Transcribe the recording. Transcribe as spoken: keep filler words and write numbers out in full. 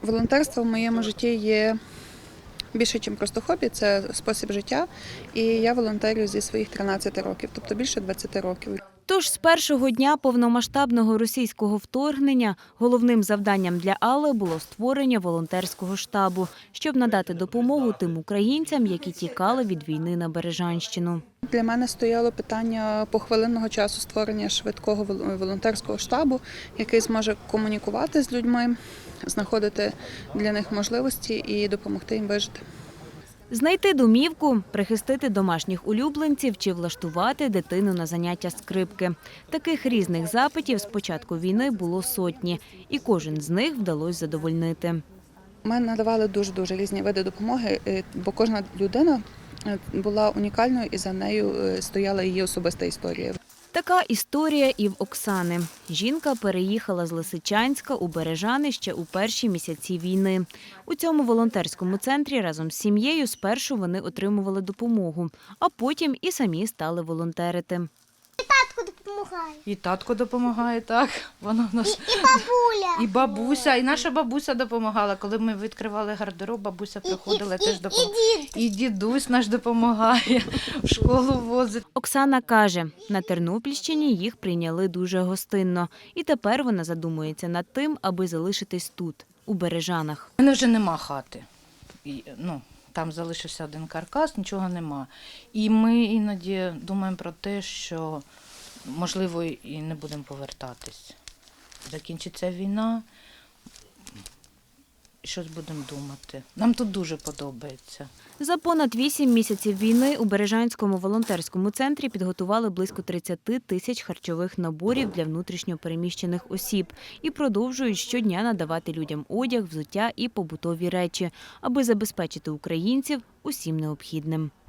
Волонтерство в моєму житті є більше, ніж просто хобі, це спосіб життя. І я волонтерю зі своїх тринадцяти років, тобто більше двадцяти років. Тож з першого дня повномасштабного російського вторгнення головним завданням для Алли було створення волонтерського штабу, щоб надати допомогу тим українцям, які тікали від війни на Бережанщину. Для мене стояло питання похвилинного часу створення швидкого волонтерського штабу, який зможе комунікувати з людьми, знаходити для них можливості і допомогти їм вижити. Знайти домівку, прихистити домашніх улюбленців чи влаштувати дитину на заняття скрипки. Таких різних запитів з початку війни було сотні, і кожен з них вдалося задовольнити. Ми надавали дуже-дуже різні види допомоги, бо кожна людина була унікальною і за нею стояла її особиста історія. Така історія і в Оксани. Жінка переїхала з Лисичанська у Бережани ще у перші місяці війни. У цьому волонтерському центрі разом з сім'єю спершу вони отримували допомогу, а потім і самі стали волонтерити. І татко допомагає. І татко допомагає, так. Воно в нас... І, і бабуля. І бабуся, і наша бабуся допомагала. Коли ми відкривали гардероб, бабуся приходила, і, теж і, допомагала. і дід. І дідусь наш допомагає, в школу возить. Оксана каже, на Тернопільщині їх прийняли дуже гостинно. І тепер вона задумується над тим, аби залишитись тут, у Бережанах. У мене вже нема хати. І, ну, там залишився один каркас, нічого нема. І ми іноді думаємо про те, що, можливо, і не будемо повертатись. Закінчиться війна, і щось будемо думати. Нам тут дуже подобається. За понад вісім місяців війни у Бережанському волонтерському центрі підготували близько тридцяти тисяч харчових наборів для внутрішньо переміщених осіб і продовжують щодня надавати людям одяг, взуття і побутові речі, аби забезпечити українців усім необхідним.